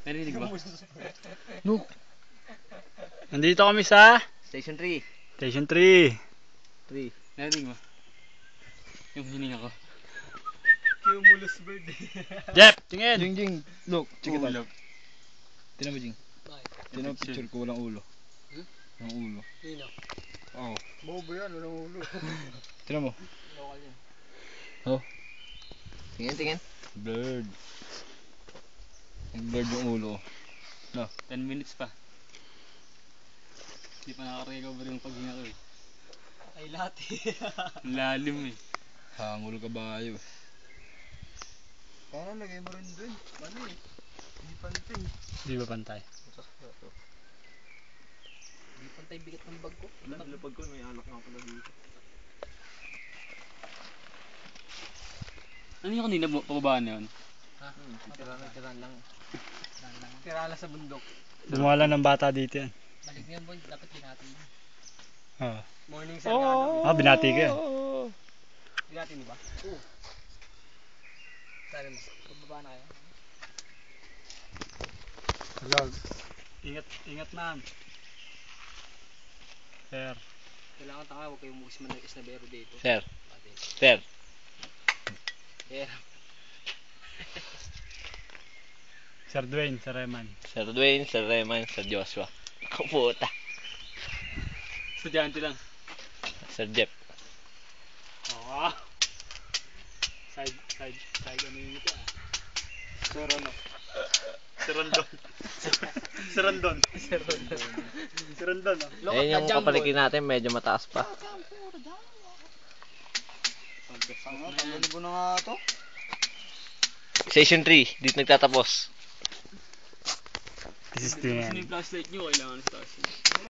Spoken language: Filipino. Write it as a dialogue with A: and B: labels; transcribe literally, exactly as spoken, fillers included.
A: Narinig ba?
B: No. Nandito kami sa
C: Station three.
B: Station three.
C: three.
A: Narinig mo? Yung hininga ko.
D: Cumulus bird.
B: Jeff, tingin.
D: Jing Jing, look, check it out.
A: Ulo.
D: Tinan mo Jing. Tinan mo picture ko, walang ulo.
A: Hmm?
D: Walang ulo.
C: Nino.
D: Oo.
C: Bobo yan, walang ulo.
D: Tinan mo.
C: Local yan.
D: Oh,
C: Tingin, tingin.
D: bird. Bird yung ulo. No.
A: ten minutes pa. Hindi pa nakaka-recover yung paghinga ko eh.
C: Ay, lahat
A: Ang lalim eh.
D: Hangul kabayo.
C: Kaya lagay mo rin dun. Ano eh? Hindi pantay.
B: Di ba pantay?
C: Hindi pantay bigat ng bag ko.
D: Wala, nilapag ko. May alak nga pala dito.
A: Ano yung kanina bu- pababaan na yun?
C: Ha? Tirana, tirana lang. Tirana sa bundok.
B: Dumala ng bata dito yan.
C: Balik mo yan, boy. Dapat binati mo.
B: Ah.
C: Morning sir, oh.
B: Ah, binati ka yan.
C: Binati mo ba? Oo. Saan mo? Pagbaba na kayo?
B: Hello. Ingat, ingat ma'am. Sir.
C: Kailangan tanga, huwag kayong mukhis man ng isnabero dito.
E: Sir.
C: Pati.
E: Sir.
C: Yeah.
B: Sir Dwayne, Sir Reman.
E: Sir Dwayne, Sir Reman, Sir Joshua. Kaputa.
A: Estudyante lang.
E: Sir Jeff.
B: Oo. Side, side, side ano yung ito ah.
D: Sir ano?
B: Sir Rondon. Sir Rondon.
C: Sir Rondon.
B: Sir Rondon ah.
C: Lokot
E: Ayun
C: ka
E: yung
C: dyan,
E: kapalikin natin, medyo mataas pa.
C: Tanggalin ko na nga to.
E: Station three, dito nagtatapos.
B: This is
A: Kasi
B: the
A: yung
B: end.
A: flashlight nyo, kailangan sa taas yun.